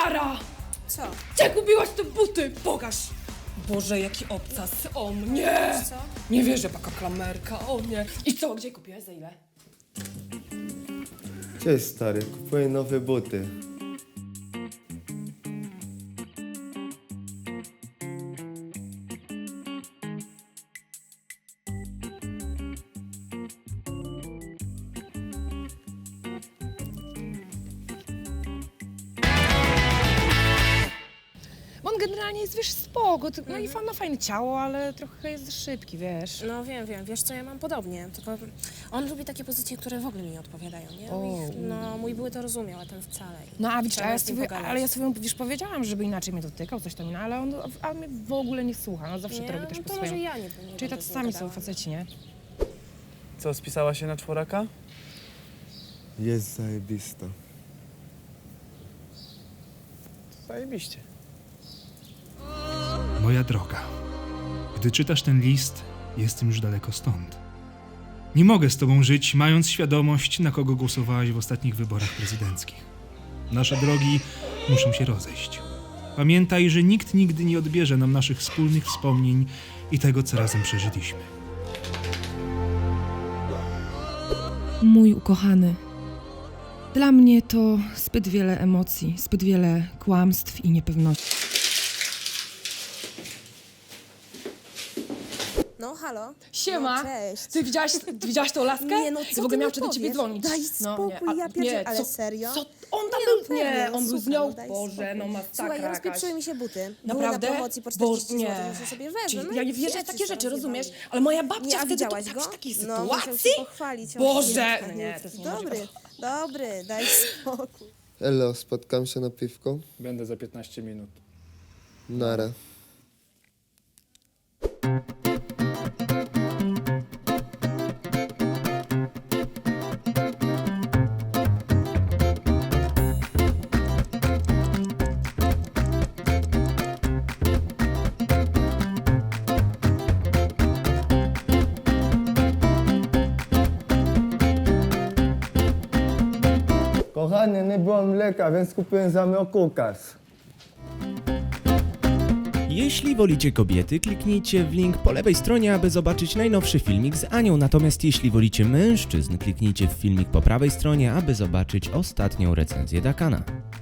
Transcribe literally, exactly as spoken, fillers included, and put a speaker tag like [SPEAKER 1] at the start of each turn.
[SPEAKER 1] Klara!
[SPEAKER 2] Co?
[SPEAKER 1] Gdzie kupiłaś te buty? Pokaż! Boże, jaki obcas. O nie!
[SPEAKER 2] Co?
[SPEAKER 1] Nie wierzę, taka klamerka, o nie. I co, gdzie kupiłaś, za ile?
[SPEAKER 3] Cześć stary, kupuję nowe buty.
[SPEAKER 4] Bo on generalnie jest, wiesz, spoko, ty- no i fa- ma fajne ciało, ale trochę jest szybki, wiesz.
[SPEAKER 2] No wiem, wiem, wiesz co, ja mam podobnie, tylko on lubi takie pozycje, które w ogóle mi nie odpowiadają, nie?
[SPEAKER 4] O.
[SPEAKER 2] I, no, mój były to rozumiał, a ten wcale.
[SPEAKER 4] No a widzisz,
[SPEAKER 2] Trzeba
[SPEAKER 4] a ja
[SPEAKER 2] z nim
[SPEAKER 4] sobie,
[SPEAKER 2] pogadać.
[SPEAKER 4] ale ja sobie, wiesz, powiedziałam, żeby inaczej mnie dotykał, coś tam, no, ale on a mnie w ogóle nie słucha, no zawsze
[SPEAKER 2] Nie?
[SPEAKER 4] to robi też
[SPEAKER 2] No
[SPEAKER 4] po
[SPEAKER 2] to może
[SPEAKER 4] swojemu.
[SPEAKER 2] ja nie, nie
[SPEAKER 4] Czyli
[SPEAKER 2] będę
[SPEAKER 4] tacy
[SPEAKER 2] z nim
[SPEAKER 4] sami są
[SPEAKER 2] gadała.
[SPEAKER 4] faceci, nie?
[SPEAKER 5] Co, spisała się na czworaka?
[SPEAKER 3] Jest zajebista.
[SPEAKER 5] Zajebiście.
[SPEAKER 6] Moja droga, gdy czytasz ten list, jestem już daleko stąd. Nie mogę z tobą żyć, mając świadomość, na kogo głosowałaś w ostatnich wyborach prezydenckich. Nasze drogi muszą się rozejść. Pamiętaj, że nikt nigdy nie odbierze nam naszych wspólnych wspomnień i tego, co razem przeżyliśmy.
[SPEAKER 4] Mój ukochany. Dla mnie to zbyt wiele emocji, zbyt wiele kłamstw i niepewności.
[SPEAKER 2] No, halo?
[SPEAKER 1] Siema!
[SPEAKER 2] No, cześć.
[SPEAKER 1] Ty widziałaś, ty widziałaś tą laskę?
[SPEAKER 2] Nie, no
[SPEAKER 1] Ty
[SPEAKER 2] co
[SPEAKER 1] w ogóle
[SPEAKER 2] ty
[SPEAKER 1] miał
[SPEAKER 2] mi
[SPEAKER 1] wtedy ciebie
[SPEAKER 2] powiesz?
[SPEAKER 1] dzwonić.
[SPEAKER 2] Daj
[SPEAKER 1] No,
[SPEAKER 2] spokój,
[SPEAKER 1] a-
[SPEAKER 2] ja pierdzielę,
[SPEAKER 1] nie,
[SPEAKER 2] ale
[SPEAKER 1] co-
[SPEAKER 2] serio?
[SPEAKER 1] Co? On tam
[SPEAKER 2] Nie,
[SPEAKER 1] był,
[SPEAKER 2] no
[SPEAKER 1] nie,
[SPEAKER 2] pewnie,
[SPEAKER 1] on był z
[SPEAKER 2] słuchaj,
[SPEAKER 1] nią,
[SPEAKER 2] no daj
[SPEAKER 1] Boże,
[SPEAKER 2] spokój.
[SPEAKER 1] no masakra
[SPEAKER 2] Słuchaj,
[SPEAKER 1] jakaś.
[SPEAKER 2] rozpieprzyły mi się buty.
[SPEAKER 1] Naprawdę?
[SPEAKER 2] Były na promocji po
[SPEAKER 1] Bo-
[SPEAKER 2] czterdzieści
[SPEAKER 1] nie.
[SPEAKER 2] złotych, muszę sobie wezmę.
[SPEAKER 1] Czyli
[SPEAKER 2] No
[SPEAKER 1] ja
[SPEAKER 2] i
[SPEAKER 1] nie wierzę w
[SPEAKER 2] wiecie,
[SPEAKER 1] takie
[SPEAKER 2] co
[SPEAKER 1] rzeczy,
[SPEAKER 2] rozjebali.
[SPEAKER 1] rozumiesz? Ale moja babcia
[SPEAKER 2] Nie, a
[SPEAKER 1] wtedy to
[SPEAKER 2] widziałaś
[SPEAKER 1] tak
[SPEAKER 2] go?
[SPEAKER 1] w takiej
[SPEAKER 2] No, musiał
[SPEAKER 1] sytuacji?
[SPEAKER 2] się pochwalić. o
[SPEAKER 1] Boże!
[SPEAKER 2] Jezu,
[SPEAKER 1] Nie, to jest
[SPEAKER 2] Dobry, dobry, daj spokój.
[SPEAKER 3] Elo, spotkam się na piwko?
[SPEAKER 5] Będę za piętnaście minut.
[SPEAKER 3] Nara. Kochany, nie było mleka, więc kupiłem za kukas.
[SPEAKER 7] Jeśli wolicie kobiety, kliknijcie w link po lewej stronie, aby zobaczyć najnowszy filmik z Anią. Natomiast jeśli wolicie mężczyzn, kliknijcie w filmik po prawej stronie, aby zobaczyć ostatnią recenzję Dakana.